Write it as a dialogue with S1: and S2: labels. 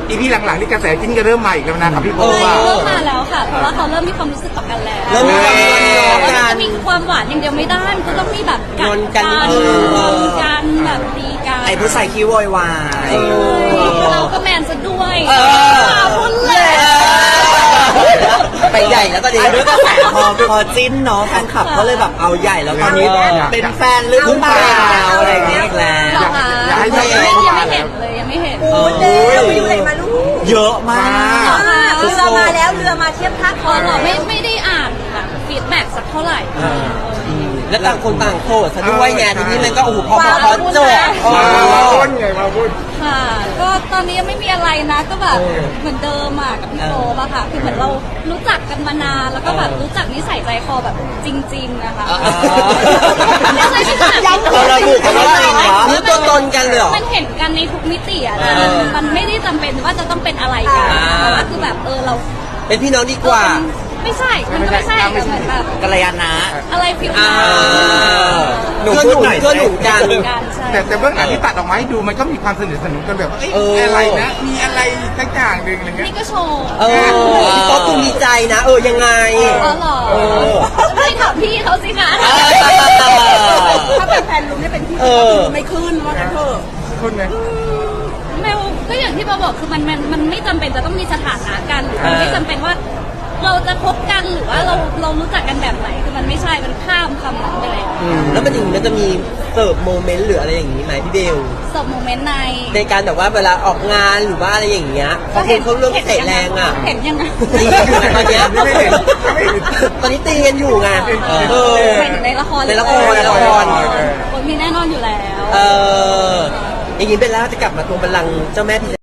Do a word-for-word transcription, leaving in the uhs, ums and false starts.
S1: อีพีหลังๆนี่กระแสจิ้นก็เริ่มมาอีกแล้วนะกับพี่โบ
S2: เออ
S1: ว่า
S3: เริ่มมาแล้วค่ะ เพราะว่าเขาเริ่มมีความรู้สึกต่อกันแล้ว
S2: เริ่มมีความงอนงอ
S3: มัน
S2: กั
S3: จะ
S2: น
S3: มีความหวานอย่างเดียวไม่ได้มันก็ต้องมีแบบ
S2: งอนกัน
S3: ง
S2: เออ
S3: อนกันแบบดีกัน
S4: ไอ้ผู้ชายขี้โวยวาย
S3: เราก็แมนซะด้วย
S2: เออ
S3: พูดเลย
S4: ไปใหญ่แล้วตอนนี้ด้วยกระแสพอพอจิ้นเนาะแฟนคลับก็เลยแบบเอาใหญ่แล้วตอนนี้เป็นแฟนหรือเปล่าอะไรอย่างเงี้ยอีกแล้ว
S3: หรอคะ
S1: อยากให้
S3: ยัง
S1: ให้
S3: ไม่
S1: ให้
S3: ยังไม่เห็นเลยยังไม่เห็น
S4: โอ้ยไปดูอะไรมาลูกเยอะมาก
S3: เรือมาแล้วเรือมาเทียบท่าคอหรอไม่ไม่ได้อ่านแบบฟีดแบ็กสักเท่าไหร่
S2: แล้วต่างคนต่างโสดซะด้วยไงทีนี้มันก็โอ้โหพอพอพอจบ
S1: มาพูดไงมาพูด
S3: ค่ะก็ตอนนี้ยังไม่มีอะไรนะก็แบบเหมือนเดิมอ่ะกับพี่โตอะค่ะคือเหมือนเรารู้จักกันมานานแล้วก็แบบรู้จักนิสัยใจคอแบบจริง ๆ นะคะไม่ใช่ไม่ใช่แบบ
S4: เราระบุคำว่าจริงเหรอ
S2: นี่ตัวตนกันเลยเหรอ
S3: มันเห็นกันในทุกมิติอะนะมันไม่ได้จำเป็นว่าจะต้องเป็นอะไรกัน
S2: อ่า
S3: แต่ว่าคือแบบเออเรา
S2: เป็นพี่น้องดีกว่า
S3: ไม่ใช่มันก็ไม่ใช่แต่เหมือนแบบ
S4: กัลยาณะ
S3: อะไรฟิล
S2: อ่า
S4: หนู
S2: เพื่อน
S4: พู
S2: ห
S4: ด
S2: นุ
S4: หน่
S2: น
S4: อย
S2: เพื่อนหนุนกัน
S3: การใช่
S1: แต่แต่เบื้องหลังที่ตัดออกมาให้ดูมันก็มีความสนิทสนมกันแบบเอ้ย
S2: เอออ
S1: อะไรนะมีอะไรสักอย่างหนึ่งอะไรเงี้ย
S3: นี่ก็โชว์
S2: เออพี่โต๊ะคุณมีใจนะ เออยังไง
S3: อ๋อเหรอไม่ถามพี่เขาสิคะ
S5: ถ้าเป็นแฟนลุงเนี่ยเป็นพี่
S2: เออ
S5: ไม่ขึ้นว่ากันเถอะ
S1: คนไง
S3: แมวก็อย่างที่เราบอกคือมันมันมันไม่จำเป็นจะต้องมีสถานะกันหรือมันไม่จำเป็นว่า เราจะคบกันหรือว่าเราเรารู้จักกันแบบไหนคือมันไม่ใช่มันข้ามคำนั้นไปแล้ว
S2: อืมแล้วมันอย่างนี้มันจะมีเสิร์ฟโมเมนต์หรืออะไรอย่างนี้ไหมพี่เบล
S3: สบโมเมนต์ใน
S2: ในการแบบว่าเวลาออกงานหรือว่าอะไรอย่างเงี้ยบางคนเขาเริ่มเตะแรงอ่ะ
S3: เห็นยังไง
S2: ตีกันอยู่ตอนเนี้ย
S1: ไม่เห็นไม่เห็น
S2: ตอนนี้ตีกันอยู่ไงเออ
S3: เห็นในละคร
S2: ในละครในละคร
S3: คนมีแน่นอนอยู่แล้ว
S2: เอออย่างนี้เป็นแล้วจะกลับมาทวงบัลลังก์เจ้าแม่พิ